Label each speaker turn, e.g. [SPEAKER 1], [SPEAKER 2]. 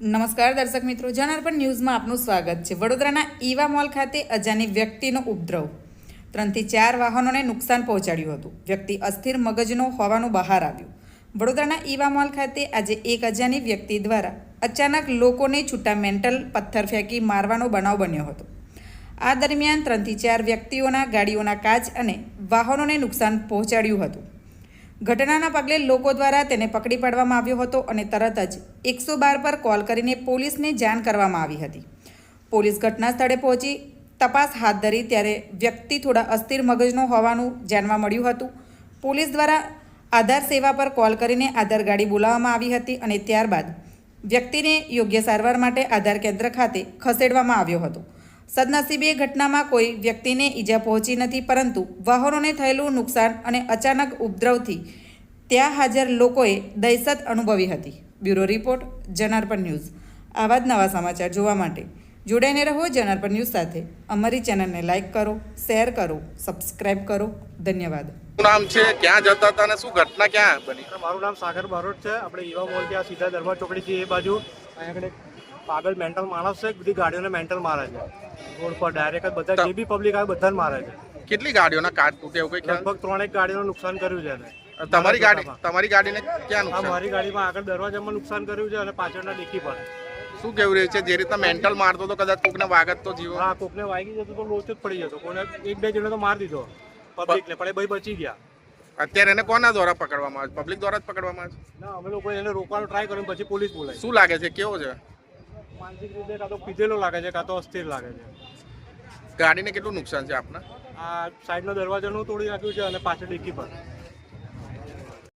[SPEAKER 1] નમસ્કાર દર્શક મિત્રો, જનાર્પણ ન્યૂઝમાં આપનું સ્વાગત છે। વડોદરાના ઈવા મોલ ખાતે અજાણી વ્યક્તિનો ઉપદ્રવ 3 થી 4 વાહનોને નુકસાન પહોંચાડ્યું હતું। વ્યક્તિ અસ્થિર મગજનો હોવાનું બહાર આવ્યું। વડોદરાના ઈવા મોલ ખાતે આજે એક અજાણી વ્યક્તિ દ્વારા અચાનક લોકોને છૂટા મેન્ટલ પથ્થર ફેંકી મારવાનો બનાવ બન્યો હતો। આ દરમિયાન 3 થી 4 વ્યક્તિઓના ગાડીઓના કાચ અને વાહનોને નુકસાન પહોંચાડ્યું હતું। ઘટનાના પગલે લોકો દ્વારા તેને પકડી પાડવામાં આવ્યો હતો અને તરત જ 112 પર કોલ કરીને પોલીસને જાણ કરવામાં આવી હતી। પોલીસ ઘટના સ્થળે પહોંચી તપાસ હાથ ધરી ત્યારે વ્યક્તિ થોડા અસ્થિર મગજનો હોવાનું જાણવા મળ્યું હતું। પોલીસ દ્વારા આધાર સેવા પર કોલ કરીને આધાર ગાડી બોલાવવામાં આવી હતી અને ત્યારબાદ વ્યક્તિને યોગ્ય સારવાર માટે આધાર કેન્દ્ર ખાતે ખસેડવામાં આવ્યો હતો। સદનસીબે ઘટનામાં કોઈ વ્યક્તિને ઈજા પહોંચી નથી, પરંતુ વાહનોને થયેલું નુકસાન અને અચાનક ઉપદ્રવથી ત્યાં હાજર લોકોએ દહેશત અનુભવી હતી। Bureau report, Janarpan news. આવા જ નવા સમાચાર જોવા માટે જોડાઈને રહો જનાર્પણ ન્યૂઝ સાથે। અમારી ચેનલને લાઇક કરો, શેર કરો, સબસ્ક્રાઇબ કરો। ધન્યવાદ।
[SPEAKER 2] શું નામ છે, ક્યાં જતા હતા અને શું ઘટના ક્યાં બની?
[SPEAKER 3] મારું નામ સાગર બારોટ છે। આપણે ઈવા મોલ ત્યાં સીધા દરબાર ચોકડીથી એ બાજુ અહીંયા આગળ પાગલ મેન્ટલ માણસ છે, બધી ગાડીઓને મેન્ટલ મારે છે રોડ પર ડાયરેક્ટ। બધા જે બી પબ્લિક આવે બધાને મારે છે।
[SPEAKER 2] કેટલી ગાડીઓના કાચ તૂટે એવું કઈ ખ્યાલ?
[SPEAKER 3] લગભગ 3 ગાડીઓનું નુકસાન કર્યું છે એને।
[SPEAKER 2] તમારી ગાડીને ક્યાં
[SPEAKER 3] હા,
[SPEAKER 2] નુકસાન?
[SPEAKER 3] મારી ગાડીમાં આગળ દરવાજામાં નુકસાન કર્યું છે અને પાછળના ડિક્કી પર।
[SPEAKER 2] શું કેવું રહ્યું છે? જે રીતના મેન્ટલ મારતો તો કદાચ કોકને વાગત તો જીવો?
[SPEAKER 3] હા, કોકને વાગી જતો તો લોચો જ પડી જતો। કોને 1-2 જણે તો મારી દીધો પબ્લિકને, પણ એ ભાઈ બચી ગયા।
[SPEAKER 2] અત્યારે એને કોના દ્વારા પકડવામાં આવે? પબ્લિક દ્વારા જ પકડવામાં આવે છે?
[SPEAKER 3] ના, અમે લોકો એને રોકવાનો ટ્રાય કર્યો, પછી પોલીસ બોલાવી।
[SPEAKER 2] શું લાગે છે, કેવો છે?
[SPEAKER 3] માનસિક રીતે કાં તો પીધેલો લાગે છે, કાં તો અસ્થિર લાગે છે।
[SPEAKER 2] ગાડીને કેટલું નુકસાન છે આપના?
[SPEAKER 3] આ સાઈડનો દરવાજાનું તોડી નાખ્યું છે અને પાછળ ડિક્કી પર।